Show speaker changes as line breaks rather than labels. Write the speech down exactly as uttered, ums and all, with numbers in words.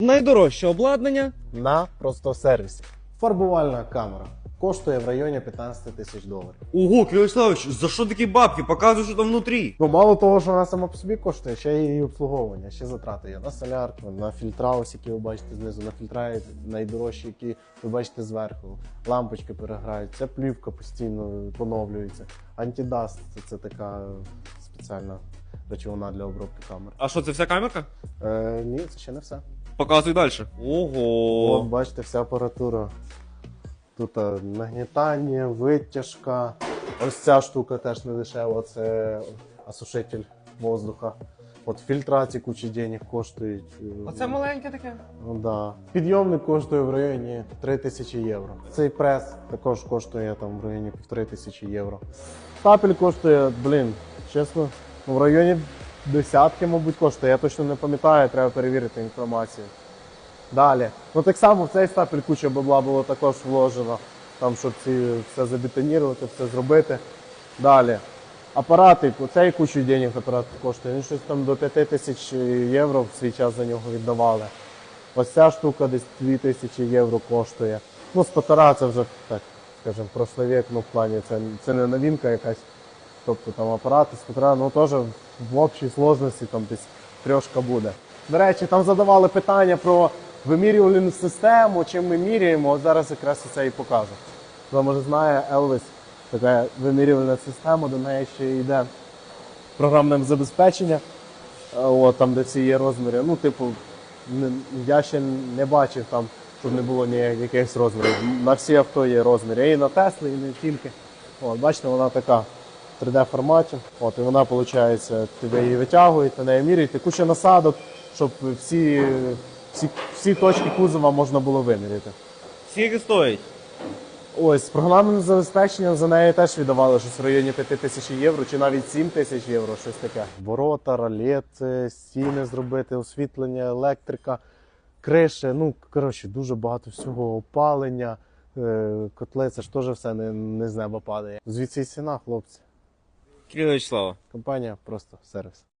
Найдорожче обладнання
на просто сервісі. Фарбувальна камера. Коштує в районі п'ятнадцять тисяч доларів.
Ого, Кирилл Вячеславович, за що такі бабки? Показуй, що там внутрі.
Ну, мало того, що вона сама по собі коштує, ще й її обслуговування, ще затрати є на солярку, на фільтра, ось які ви бачите знизу, на фільтра найдорожчі, які ви бачите зверху. Лампочки переграють, ця плівка постійно поновлюється. Антидаст це, це така спеціальна речовина для обробки камер.
А що, це вся камерка?
Е, ні, це ще не все.
Показуй далі.
От
Ого.
бачите, вся апаратура. Тут а, нагнітання, витяжка. Ось ця штука теж не дешева, це осушитель воздуха. От фільтраці куча денег коштують.
Оце маленьке таке?
Ну, да. Підйомник коштує в районі три тисячі євро. Цей прес також коштує там в районі півтори тисячі євро. Стапель коштує, блін, чесно, в районі десятки, мабуть, коштує. Я точно не пам'ятаю, треба перевірити інформацію. Далі. Ну так само в цей стапель куча бабла було також вложено, там, щоб ці все забетонірувати, все зробити. Далі. Апарати, оцей кучу денег апарат коштує. Він щось там до п'яти тисяч євро в свій час за нього віддавали. Ось ця штука десь дві тисячі євро коштує. Ну, спотара це вже, так, скажімо, прошлий вік, ну в плані, це, це не новинка якась. Тобто там апарати, спотара, ну теж в общій сложності там десь трьошка буде. До речі, там задавали питання про вимірювальну систему, чим ми міряємо, от зараз якраз це і покажу. Хто може знає, Елвіс, така вимірювальна система, до неї ще йде програмне забезпечення, от, там де всі є розміри. Ну, типу, не, я ще не бачив там, щоб не було ніяких розмірів. На всі авто є розміри, і на Теслі, і не тільки. От, бачите, вона така в три де форматі. От, і вона, виходить, тебе її витягують, на неї міряють. Куча насадок, щоб всі, всі, всі точки кузова можна було виміряти.
Скільки стоїть?
Ось, програмним забезпеченням за неї теж віддавали щось в районі п'яти тисяч євро, чи навіть сім тисяч євро, щось таке. Ворота, ролети, стіни зробити, освітлення, електрика, криші, ну, коротше, дуже багато всього, опалення, котли, це ж теж все не, не з неба падає. Звідси і ціна, хлопці.
Кирилл Вячеславович.
Компанія просто сервіс.